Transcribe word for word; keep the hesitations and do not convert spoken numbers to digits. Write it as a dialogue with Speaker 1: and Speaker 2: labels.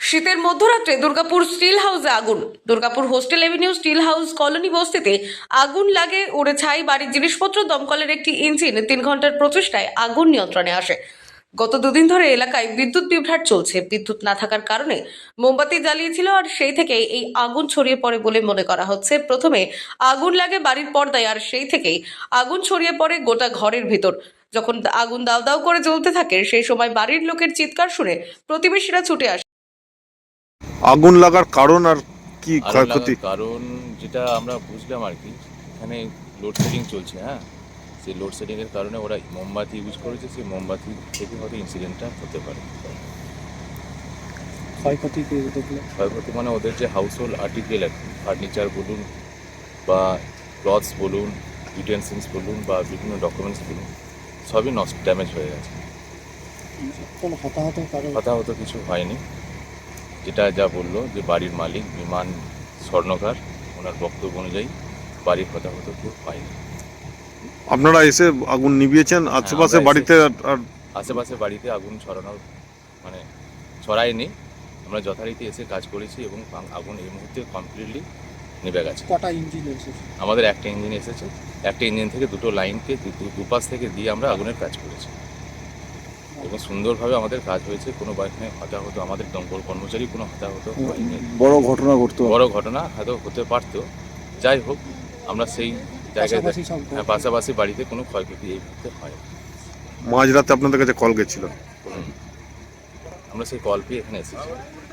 Speaker 1: শীতের মধ্যরাত্রে দুর্গাপুর স্টিল হাউসে আগুন। Durgapur hostel avenue steel house colony বস্তিতে আগুন লাগে, উড়ে ছাই বাড়ির জিনিসপত্র। দমকলের একটি ইঞ্জিন তিন ঘন্টার প্রচেষ্টায় আগুন নিয়ন্ত্রণে আসে। গত দুদিন ধরে এলাকায় বিদ্যুৎ বিভ্রাট চলছে। বিদ্যুৎ না থাকার কারণে মোমবাতি জ্বালিয়েছিল, আর সেই থেকে এই আগুন ছড়িয়ে পড়ে বলে মনে করা হচ্ছে। প্রথমে আগুন লাগে বাড়ির পর্দায়, আর সেই থেকেই আগুন ছড়িয়ে পড়ে গোটা ঘরের ভিতর। যখন আগুন দাউ দাউ করে জ্বলতে থাকে, সেই সময় বাড়ির লোকের চিৎকার শুনে প্রতিবেশীরা ছুটে আসে।
Speaker 2: আগুন লাগার কারণ আর কি
Speaker 3: আগুন
Speaker 2: ক্ষয়ক্ষতি?
Speaker 3: লাগার কারণ যেটা আমরা বুঝলাম আর কি, এখানে লোডশেডিং চলছে। হ্যাঁ, সেই লোডশেডিংয়ের কারণে ওরা মোমবাতি ইউজ করেছে, সেই মোমবাতি থেকে হয়তো ইনসিডেন্টটা হতে পারে।
Speaker 4: ক্ষয়ক্ষতি কি দেখলে?
Speaker 3: ক্ষয়ক্ষতি মানে ওদের যে হাউস হোল্ড আর্টিকেল আর কি, ফার্নিচার বলুন বা ক্লথস বলুন, ইউটেন্সিলস বলুন বা বিভিন্ন ডকুমেন্টস বলুন, সবই নষ্ট, ড্যামেজ হয়ে গেছে।
Speaker 4: কোনো হতাহত কারণ?
Speaker 3: হতাহত কিছু হয়নি। যেটা যা বললো যে বাড়ির মালিক বিমান স্বর্ণকার, ওনার বক্তব্য অনুযায়ী বাড়ির হতাহত কেউ হয়নি।
Speaker 2: আপনারা এসে আগুন নিভিয়েছেন আশেপাশে
Speaker 3: আমরা
Speaker 2: বাড়িতে?
Speaker 3: এসে-
Speaker 2: আর- আর
Speaker 3: আশেপাশে বাড়িতে আগুন ছড়ানোর মানে ছড়ায়নি, আমরা যথারীতি এসে কাজ করেছি এবং আ- আগুন এই মুহূর্তে কমপ্লিটলি নিভে গেছে।
Speaker 4: কটা ইঞ্জিন এসেছে?
Speaker 3: আমাদের একটা ইঞ্জিন এসেছে, একটা ইঞ্জিন থেকে দুটো লাইনকে দু- দু- দুপাশ থেকে দিয়ে আমরা আগুনের কাজ করেছি এবং সুন্দরভাবে আমাদের কাজ হয়েছে। কোনো এখানে হতাহত, আমাদের দমকল কর্মচারী কোনো হতাহত হয়নি।
Speaker 2: বড় ঘটনা ঘটতো?
Speaker 3: বড় ঘটনা হয়তো হতে পারতো, যাই হোক আমরা সেই জায়গায়
Speaker 4: পাশাপাশি সব
Speaker 3: হ্যাঁ, পাশাপাশি বাড়িতে কোনো ক্ষয়ক্ষতি এই মুহূর্তে হয়।
Speaker 2: মাঝরাতে আপনাদের কাছে কল গেছিল?
Speaker 3: আমরা সেই কল পেয়ে এখানে এসেছি।